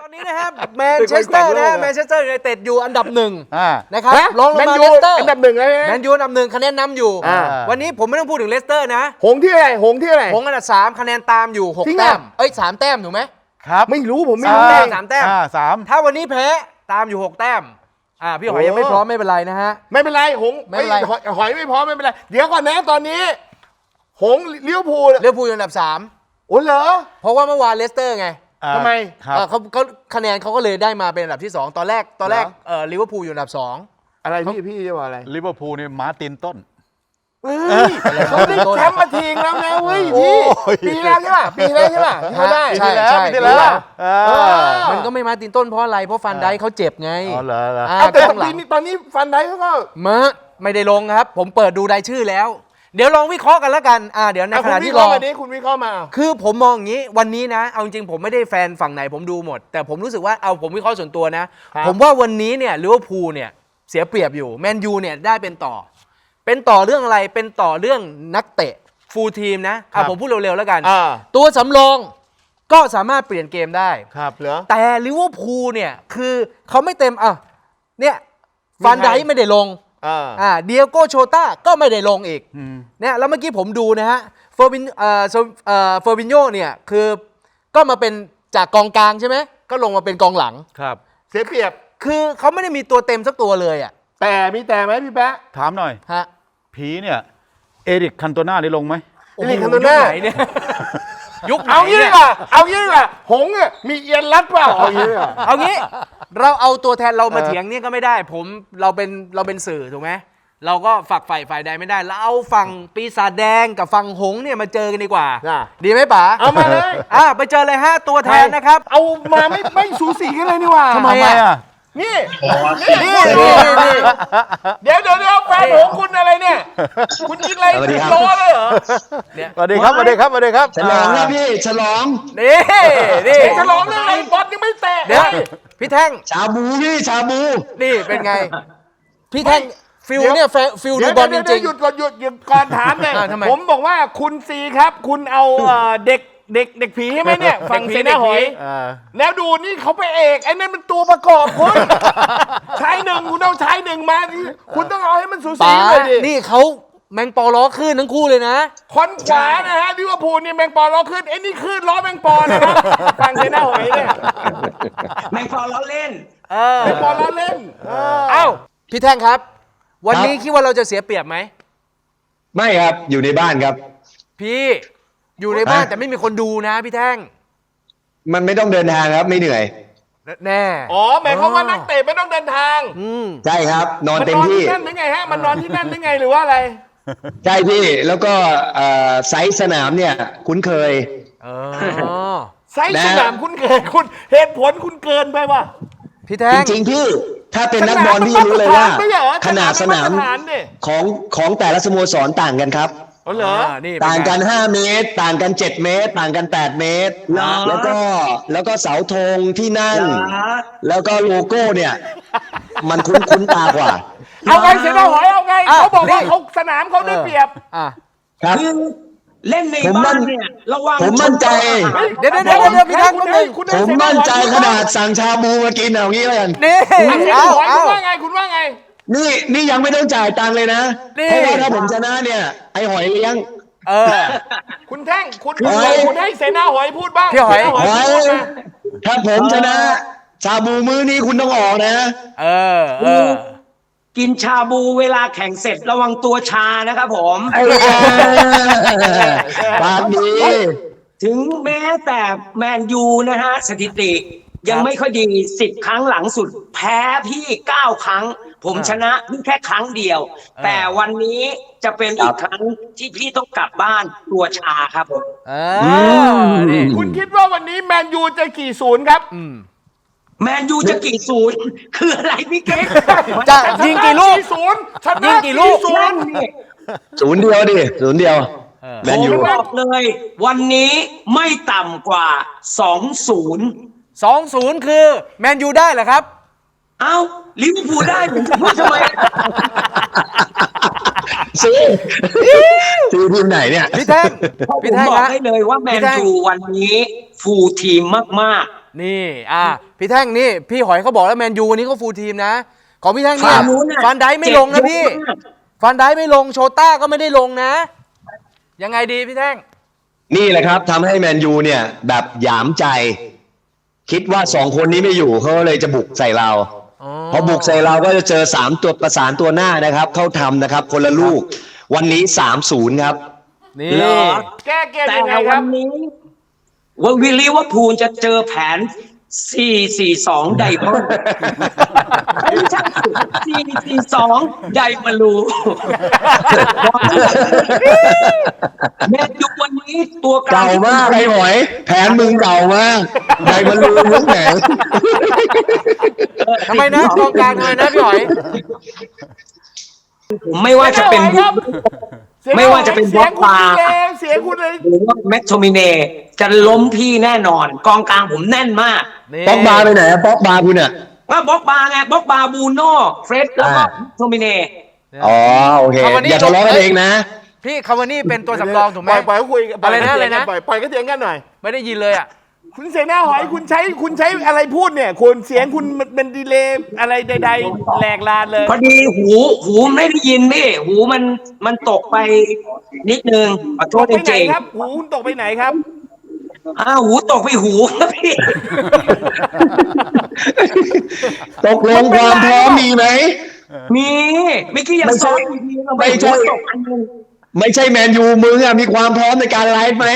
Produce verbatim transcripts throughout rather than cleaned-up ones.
อนนี้นะครับแมนเชสเตอร์นะฮะแมนเชสเตอร์ยูไนเต็ดอยู่อันดับหนึ่งนะครับรองลงมาเลสเตอร์อันดับหนึ่งเลยแมนยูอันดับหนึ่งคะแนนนำอยู่วันนี้ผมไม่ต้องพูดถึงเลสเตอร์นะหงที่อะไรหงที่อะไรหงอันดับสามคะแนนตามอยู่หกแต้มเอ้ยสามแต้มถูกไหมครับไม่รู้ผมไม่รู้แต้มสามแต้มสามถ้าวันนี้แพ้ตามอยู่หกแต้มอ่าพี่หอยยังไม่พร้อมไม่เป็นไรนะฮะไม่เป็นไรหงไม่เป็นไรหอยไม่พร้อมไม่เป็นไรเดี๋ยวก่อนนะตอนนี้หงเลี้ยวภูเลี้ยวภูอยู่อันดับสามโอ้เหรอเพราะว่าเมื่อวานเลสเตอร์ไงทำไมเขาเขาคะแนนเขาก็เลยได้มาเป็นอันดับที่สองตอนแรกตอนแรกเอ่อลิเวอร์พูลอยู่อันดับสองอะไรพี่พี่จะบอกอะไรลิเวอร์พูลเนี่ยมาร์ตินต้นเขาได้แชมป์มาทีแล้วนะเว้ยพี่ปีแล้วใช่ป่ะปีแล้วใช่ป่ะที่เขาได้ใช่ใช่ปีแล้วมันก็ไม่มาร์ตินต้นเพราะอะไรเพราะฟันไดเขาเจ็บไงอ๋อเหรอแต่ตอนนี้ตอนนี้ฟันไดเขาก็มาไม่ได้ลงครับผมเปิดดูรายชื่อแล้วเดี๋ยวลองวิเคราะห์กันแล้วกันอ่าเดี๋ยวในขณะที่รอวันนี้คุณวิเคราะห์มาคือผมมองอย่างนี้วันนี้นะเอาจริงผมไม่ได้แฟนฝั่งไหนผมดูหมดแต่ผมรู้สึกว่าเอาผมวิเคราะห์ส่วนตัวนะผมว่าวันนี้เนี่ยลิเวอร์พูลเนี่ยเสียเปรียบอยู่แมนยูเนี่ยได้เป็นต่อเป็นต่อเรื่องอะไรเป็นต่อเรื่องนักเตะฟูลทีมนะอ่ะผมพูดเร็วๆแล้วกันตัวสำรองก็สามารถเปลี่ยนเกมได้ครับเหรอแต่ลิเวอร์พูลเนี่ยคือเขาไม่เต็มอ่ะเนี่ยฟันไดไม่ได้ลงอ่าเดียโก้โชต้าก็ไม่ได้ลงอีกเนี่ยแล้วเมื่อกี้ผมดูนะฮะเฟอร์บินเอ่อเอ่อเฟอร์บินโญ่เนี่ยคือก็มาเป็นจากกองกลางใช่ไหมก็ลงมาเป็นกองหลังครับเสียเปรียบคือเขาไม่ได้มีตัวเต็มสักตัวเลยอ่ะแต่มีแต่ไหมพี่แป๊ะถามหน่อยฮะผีเนี่ยเอริกคันโตน่าได้ลงไหมเอริกคันโตน่าไหนเนี่ยยุคเอางี้ป่ะเอางี้ป่ะหงอ่ะมีเอียนรัดเปล่าเอางี้เอางี้เราเอาตัวแทนเรามาเถียงเนี่ยก็ไม่ได้ผมเราเป็นเราเป็นสื่อถูกไหมเราก็ฝักฝ่ายฝ่ายใดไม่ได้แล้วเอาฝั่งปีศาจแดงกับฝั่งหงเนี่ยมาเจอกันดีกว่าดีไหมป๋าเอามาเลยอ่ะไปเจอเลยฮะตัวแทนนะครับเอามาไม่ไม่สูสีกันเลยนี่ว่าทำไมอ่ะนี่นี่นี่นี่เดี๋ยวเดี๋ยวเดี๋ยวแฟนหงคุณอะไรเนี่ยคุณกินอะไรโตเลยเหรอสวัสดีครับสวัสดีครับสวัสดีครับฉลองนะพี่ฉลองนี่นี่ฉลองเรื่องอะไรบอลยังไม่เตะเดี๋ยวพี่แท่งชาบูพี่ชาบูนี่เป็นไงพี่แท่งฟิลเนี่ยฟิลดูบอลจริงๆหยุดก่อนหยุดหยุดก่อนถามเลยผมบอกว่าคุณซีครับคุณเอาเด็กเด็กเด็กผีใช่ไหมเนี่ยฝั่งเสนาหอยแล้วดูนี่เขาไปเอกไอ้นั่นมันตัวประกอบคุณชายหนึ่งคุณเอาชายหนึ่งมาคุณต้องเอาให้มันสูสีเลยดินี่เขาแมงปอล้อขึ้นทั้งคู่เลยนะคนขวานะฮะลิเวอร์พูลนี่แมงปอล้อขึ้นไอ้นี่ขึ้นล้อแมงปอนะครับฝั่งเสนาหอยเนี่ยแมงปอล้อเล่นแมงปอล้อเล่นเอ้าพี่แท่งครับวันนี้คิดว่าเราจะเสียเปรียบไหมไม่ครับอยู่ในบ้านครับพี่อยู่ในบ้านแต่ไม่มีคนดูนะพี่แท่งมันไม่ต้องเดินทางครับไม่เหนื่อยแน่อ๋อหมายความว่านักเตะไม่ต้องเดินทางใช่ครับนอนเต็มที่มันนอนที่นั่นได้ไงฮะมันนอนที่นั่นได้ไงหรือว่าอะไรใช่พี่แล้วก็ไซส์สนามเนี่ยคุ้นเคยไซส์สนามคุ้นเคยคุณเหตุผลคุณเกินไปว่ะพี่แท่งจริงๆพี่ถ้าเป็นนักบอลพี่รู้เลยว่าขนาดสนามของของแต่ละสโมสรต่างกันครับอ๋อเหรอต่างกันห้าเมตรต่างกันเจ็ดเมตรต่างกันแปดเมตรแล้วก็แล้วก็เสาธงที่นั่งแล้วก็โลโก้เนี่ยมันคุ้นคุ้นตากว่าเอาไงเสียดายหอยเอาไงเขาบอกว่าเขาสนามเขาได้เปรียบครับเล่นในบ้านเนี่ยระวังผมมั่นใจเดี๋ยวเดี๋ยวเดี๋ยวพี่แท่งผมมั่นใจขนาดสั่งชาบูมากินเอางี้แล้วกันนี่เอาคุณว่าไงคุณว่าไงนี่นี่ยังไม่ต้องจ่ายตังค์เลยนะเพราะว่าถ้าผมชนะเนี่ยไอหอยเลี้ยงเออคุณแท่งคุณคุณให้เสนาหอยพูดบ้างพี่หอยถ้าผมชนะชาบูมื้อนี้คุณต้องออกนะเออเออกินชาบูเวลาแข่งเสร็จระวังตัวชานะครับผมปากดีถึงแม้แต่แมนยูนะฮะสถิติยังไม่ค่อยดีสิบครั้งหลังสุดแพ้พี่เก้าครั้งผมชนะเพียงแค่ครั้งเดียวแต่วันนี้จะเป็นอีกครั้งที่พี่ต้องกลับบ้านตัวชาครับผมคุณคิดว่าวันนี้แมนยูจะกี่ศูนย์ครับแมนยูจะกี่ศูนย์คืออะไรพี่เก๊กจะยิงกี่ลูกศูนย์ยิงกี่ลูกศูนย์ศูนย์เดียวดิศูนย์เดียวแมนยูบอกเลยวันนี้ไม่ต่ำกว่าสองศูนย์สองศูนย์คือแมนยูได้เหรอครับเอ้าลิเวอร์พูลได้ผมพูดทำไมซีซีทีมไหนเนี่ยพี่แท่งพี่แท่งบอกให้เลยว่าแมนยูวันนี้ฟูลทีมมากๆนี่อ่ะพี่แท่งนี่พี่หอยเขาบอกแล้วแมนยูวันนี้เขาฟูลทีมนะของพี่แท่งเนี่ยฝั่งนู้นน่ะฟันไดไม่ลงนะพี่เจ็บเยอะมากฟันไดไม่ลงโชต้าก็ไม่ได้ลงนะ ยังไงดีพี่แท่งนี่แหละครับทำให้แมนยูเนี่ยแบบหยามใจ คิดว่าสองคนนี้ไม่อยู่เขาเลยจะบุกใส่เราอ๋อพอบุกใส่เราก็จะเจอสามตัวประสานตัวหน้านะครับ เข้าทำนะครับ คนละลูก วันนี้สามศูนย์ครับนี่เหรอแก้เกมแต่ยังไงควัรับนนี้ว่าวิลลี่ว่าพูลจะเจอแผน สี่ สี่ สอง ไดมอนด์ไม่ใช่ สี่ สี่ สอง ไดมาลูแมนยูวันนี้ตัวกลางเก่ามากไอ้หอย แผนมึงเก่ามากใครมันรู้มึงแหนทำไมนะกองกลางทำไมนะพี่หอยไม่ว่าจะเป็นครับไม่ว่าจะเป็นเสียงบล็อกคุณมาเองเสียงคุณเลยหรือว่าแมทโทมิเนจะล้มพี่แน่นอน กองกลางผมแน่นมากนี่ป๊อกบาร์ไปไหนอะป๊อกบาร์คุณอะว่าบล็อกบาร์ไงบล็อกบาร์บูโน่เฟรดแล้วก็อ่าโทมิเนอ๋อโอเคเอาวันนี้อย่าทะเลาะกันเองนะพี่คาวานี่เป็นตัวสำรองถูกไหมปล่อยปล่อยเขาคุยกัอะไรนะอะไรนะปล่อยปล่อยก็เถียงกันหน่อยไม่ได้ยินเลยอ่ะคุณเสนาหอยคุณใช้คุณใช้อะไรพูดเนี่ยคุณเสียงคุณมันเป็นดีเลย์อะไรใดๆแหลกลานเลยพอดีหูหูไม่ได้ยินพี่หูมันมันตกไปนิดนึงขอโทตษกไปจไหนริงครับหูคุณตกไปไหนครับๆอ้าวหูตกไปหูครับพี่ตกลงความพร้อมมีไหมมีเมื่อกี้ยังไม่ใช่ซ้อมดีๆเราไปไม่ใช่หูตกอันนึงไม่ใช่แมนยูมึงอะมีความพร้อมในการไลฟ์ไหม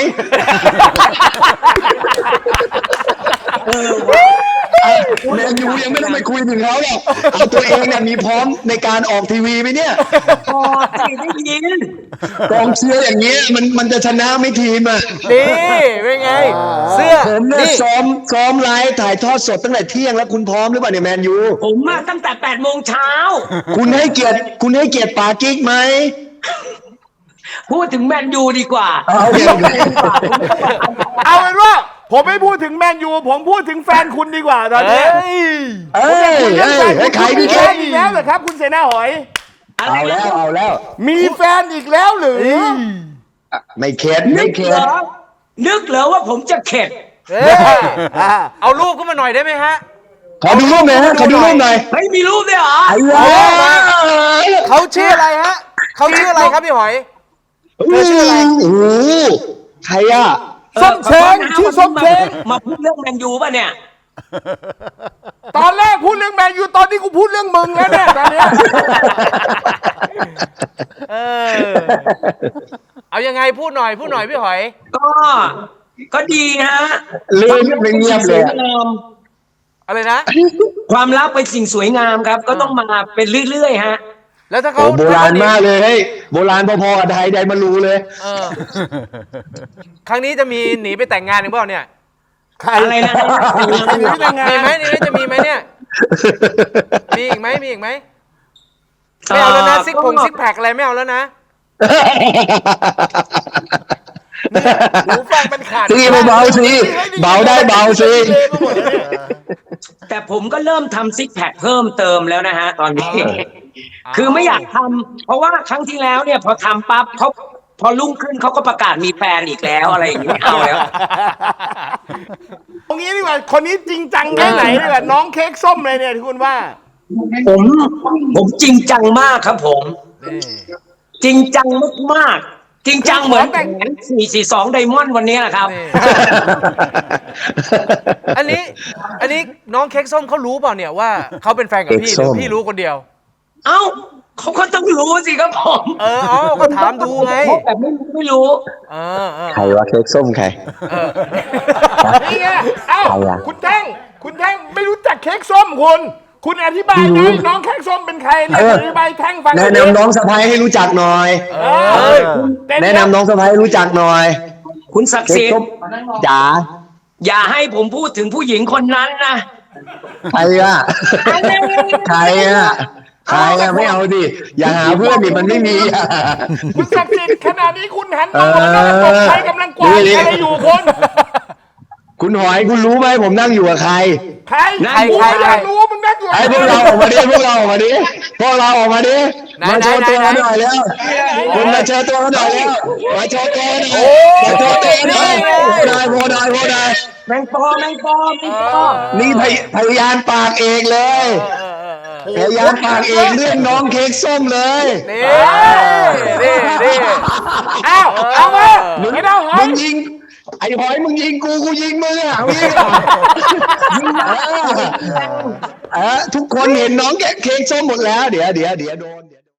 แมนยูยังไม่ต้องไปคุยถึงเขาหรอกเอาตัวเองเนี่ยมีพร้อมในการออกทีวีไหมเนี่ยพอสิได้ยินกองเชียร์อย่างเงี้ยมันมันจะชนะไม่ทีมอ่ะนี่เป็นไง เสื้อผมเนี่ยนี่ซ้อมซ้อมไลฟ์ถ่ายทอดสดตั้งแต่เที่ยงแล้วคุณพร้อมหรือเปล่าเนี่ยแมนยูผมมาตั้งแต่แปดโมงเช้าคุณให้เกียรติคุณให้เกียรติปากิ๊กไหมพูดถึงแมนยูดีกว่าเอาโอเคโอเคเอาเป็นว่า ผมไม่พูดถึงแมนยูผมพูดถึงแฟนคุณดีกว่าตอนเอ้นี้ยเอ้ยคุณเอ้ยแฟนเอ้ยใครพี่มีเค้แฟกนอีกแล้วเหรอครับ คุณเสนาหอยอะไรเอาแล้วนะเอาแล้วมีแฟนอีกแล้วหรือไม่เข็ดนึไม่กเข็เหรดอนึกเหรอว่าผมจะเข็ดเอ้ยเอารูปขึ้นมาหน่อยได้ไหมฮะขอดูรูปหน่อยฮะขอดูรูปหน่อยเฮ้ยมีรูปด้วยเหรอไอ้วะเขาชื่ออะไรฮะเขาชื่ออะไรครับพี่หอย เธอชื่ออะไรโอ้โหใครอ่ะส้มเช้งชื่อส้มเช้งมาพูดเรื่องแมนยูป่ะเนี่ยตอนแรกพูดเรื่องแมนยูตอนนี้กูพูดเรื่องมึงแล้วเนี่ยตอนเนี้ยเออ เอายังไงพูดหน่อยพูดหน่อยพี่หอยก็ก็ดีฮะเล่นไม่เงียบเลยอะความรักเป็นสิ่งสวยงามอะไรนะความรักเป็นสิ่งสวยงามครับ ก็ต้องมาเป็นเรื่อยๆฮะแล้วถ้าโอ้เขาโบราณมากเลยเฮ้ยโบราณพอๆกับไทยไดมารูเลยเออครั้งนี้จะมีหนีไปแต่งงานหรือเปล่าเนี่ยใครอะไรนะมีไหมนี่จะมีไหมเนี่ย มีอีกไหมมีอีกไหมไม่เอาแล้วนะซิกผงซิกแพคอะไรไม่เอาแล้วนะหูฟังมันขาดทีเบาๆสิเบาได้เบาสิแต่ผมก็เริ่มทำซิกแพคเพิ่มเติมแล้วนะฮะ ตอนนี้ คือไม่อยากทำเพราะว่าครั้งที่แล้วเนี่ย พอทำปั๊บเขาพอรุ่งขึ้นเขาก็ประกาศมีแฟนอีกแล้วอะไรอย่างนี้ไม่เอาแล้วตรงนี้ดีกว่าคนนี้จริงจังแค่ไหนดีกว่าน้องเค้กส้มเลยเนี่ยที่คุณว่าผมผมจริงจังมากครับผม จริงจังมากๆจริงจังเหมือนแผนสี่ สี่ สองไดมอนด์วันนี้แหละครับนี่ อันนี้ อันนี้น้องเค้กส้มเขารู้เปล่าเนี่ยว่าเขาเป็นแฟนกับพี่หรือพี่รู้คนเดียวเอ้าเขาก็ต้องรู้สิครับผมเออเอาก็ถามดูไงแบบไม่รู้ไม่รู้เออเออใครวะเค้กส้มใครเออนี่ไงเอ้าใครอะคุณแท่งคุณแท่งไม่รู้จักเค้กส้มคุณ คุณอธิบายไม่รู้นะน้องเค้กส้มเป็นใครเนี่ยเอออธิบายแท่งฟังแนะนำน้องสะพ้ายให้รู้จักหน่อยเออเต้แนะนำน้องสะพ้ายให้รู้จักหน่อยคุณศักดิ์เค้สิกทส้มธิ์จ๋าอย่าให้ผมพูดถึงผู้หญิงคนนั้นนะใครอ่ะใครอ่ะใครอ่ะไม่เอาดิอย่าหาเพื่อนดิมันไม่มีอ่ะคุณศักดิ์สิทธิ์ขณะนี้คุณหันมามองหน้าตกใครกำลังกวาดนี่อะไรอยู่คุณคุณหอยคุณรู้ไหมผมนั่งอยู่กับใครใครนั่นกูใครอยากรู้ว่ามึงนั่งไอ้พวกเราออกมาดิพวกเราออกมาดิพวกเราออกมาดิมาโชว์ตัวหน่อยแล้วคุณมาโชว์ตัวหน่อยแล้วมาโชว์ตัวหน่อยมาโชว์ตัวหน่อยโพได้โพได้โพได้แมงปอแมงปอแมงปอนี่พยพยานปากเอกเลยพยานปากเอกเรื่องน้องเค้กส้มเลยนี่นี่นี่อ้าวเอามาไม่ได้หอมึยงยิงไอ้หอยมึงยิงกูกูยิงมึงอ่ะเอายิงอ่ะเออเออทุกคนเห็นน้องเค้กส้มหมดแล้วเดี๋ยวเดี๋ยวเดี๋ยวโดน